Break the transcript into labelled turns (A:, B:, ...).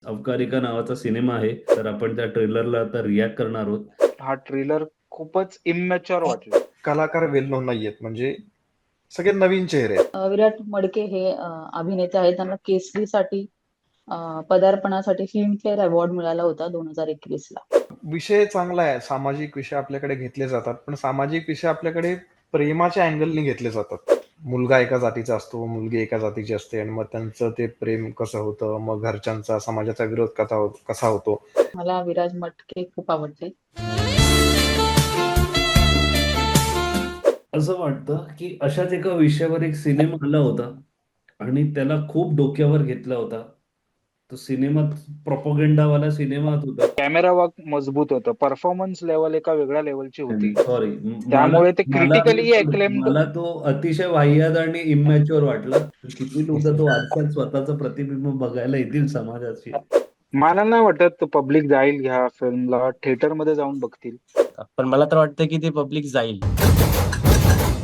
A: अवकारी का नावाचा सिनेमा आहे. तर आपण त्या ट्रेलरला आता रिएक्ट करणार आहोत.
B: हा ट्रेलर खूपच इमॅच्युअर वाटला.
C: कलाकार वेल नोन नाहीयेत, म्हणजे सगळे नवीन चेहरे आहेत.
D: विराट मडके हे अभिनेते आहेत. त्यांना केसरीसाठी पदार्पणासाठी फिल्मफेअर अवॉर्ड मिळाला होता 2021ला.
C: विषय चांगला आहे, सामाजिक विषय आपल्याकडे घेतले जातात, पण सामाजिक विषय आपल्याकडे प्रेमाच्या अँगलने घेतले जातात. मुलगा एका जातीचा असतो, मुलगी एका जातीची असते, आणि मग त्यांचं ते प्रेम कसं होतं, मग घरच्यांचा समाजाचा विरोध कसा होतो.
D: मला विराज मटके खूप आवडते.
A: असं वाटतं की अशाच एका विषयावर एक सिनेमा आला होता आणि त्याला खूप डोक्यावर घेतला होता. तो सिनेमा प्रोपगेंडावाला सिनेमा होता.
B: कॅमेरा वर्क मजबूत होतं. परफॉर्मन्स लेवल एका वेगळ्या लेवलची होती.
A: सॉरी,
B: त्यामुळे ते
A: मला
B: क्रिटिकली एक्लेम्ड.
A: मला तो अतिशय वाह्यात आणि इमॅच्युअर वाटला. किती लोक तो आरशात स्वतःचं प्रतिबिंब बघायला येतील समाजाची.
B: मला नाही वाटत पब्लिक जाईल ह्या फिल्मला, थिएटर मध्ये जाऊन बघतील.
E: पण मला तर वाटतं की ते पब्लिक जाईल.